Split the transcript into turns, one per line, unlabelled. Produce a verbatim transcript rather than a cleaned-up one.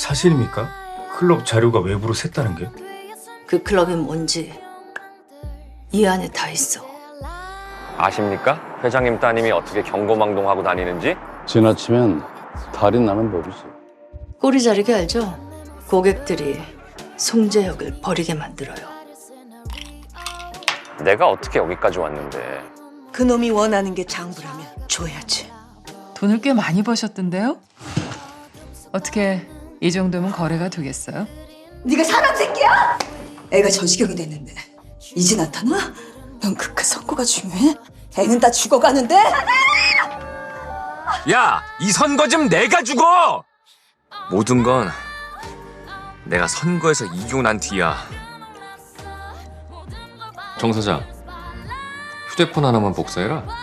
사실입니까? 클럽 자료가 외부로 샜다는 게?
그 클럽이 뭔지 이 안에 다 있어.
아십니까? 회장님 따님이 어떻게 경거망동하고 다니는지?
지나치면 달이 나는 법이지.
꼬리 자르게 알죠? 고객들이 송재혁을 버리게 만들어요.
내가 어떻게 여기까지 왔는데.
그놈이 원하는 게 장부라면 줘야지.
돈을 꽤 많이 버셨던데요? 어떻게 이 정도면 거래가 되겠어요?
네가 사람 새끼야? 애가 저 지경이 됐는데 이제 나타나? 넌 그깟 선거가 중요해? 애는 다 죽어가는데?
야, 이 선거 좀 내가 죽어! 모든 건 내가 선거에서 이기고 난 뒤야.
정 사장, 휴대폰 하나만 복사해라.